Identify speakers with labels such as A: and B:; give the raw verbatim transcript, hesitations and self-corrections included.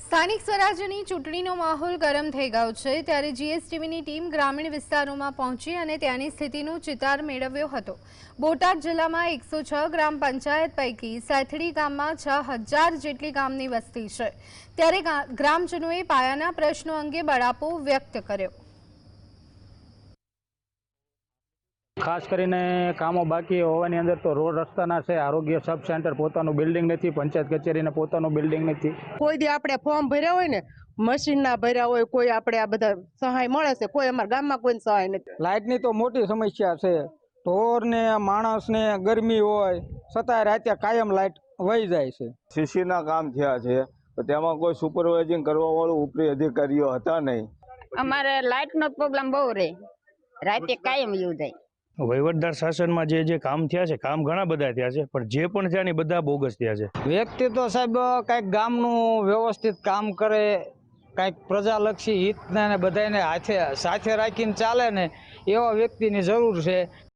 A: સ્થાનિક સ્વરાજ્યની ચૂંટણીનો માહોલ ગરમ થઈ ગયો છે ત્યારે જીએસટીવીની ટીમ ગ્રામીણ વિસ્તારોમાં પહોંચી અને ત્યાંની સ્થિતિનો ચિતાર મેળવ્યો હતો। બોટાદ જિલ્લામાં એકસો છ ગ્રામ પંચાયત પૈકી સેથડી ગામમાં છ હજાર જેટલી ગામની વસ્તી છે ત્યારે ગ્રામજનોએ પાયાના પ્રશ્નો અંગે બળાપો વ્યક્ત કર્યો।
B: खास करीने कामों बाकी होवानी अंदर तो रोड रस्ताना छे, आरोग्य सब सेंटर पोतानुं बिल्डिंग नथी, पंचायत कचेरीने पोतानुं बिल्डिंग नथी।
C: कोई दी आपणे फॉर्म भर्या होय ने मशीन ना भर्या होय, कोई आपणे आ बधा सहाय मळे छे, कोई अमारा गाममां कोईने सहाय नथी।
D: लाइटनी तो मोटी समस्या छे। ढोर ने माणस ने गरमी होय छतांय राते कायम लाइट वही जाय छे।
E: सीसी ना काम थया छे तो तेमां कोई सुपरवाइजिंग करवा वाळो उपरी अधिकारीओ हता नहीं।
F: अमारे लाइट नो प्रॉब्लम बहु रहे, राते कायम यूज जाय।
G: वहीवटदार शासन में जे जे काम थया छे, काम घणा बधा थया छे, पण जे पण थया ने बधा बोगस थया छे।
D: व्यक्ति तो साहेब कांईक गामनुं व्यवस्थित काम करे, कांईक प्रजालक्षी हित ने बधाने हाथे साथे राखीने चाले ने एवा व्यक्तिनी जरूर छे।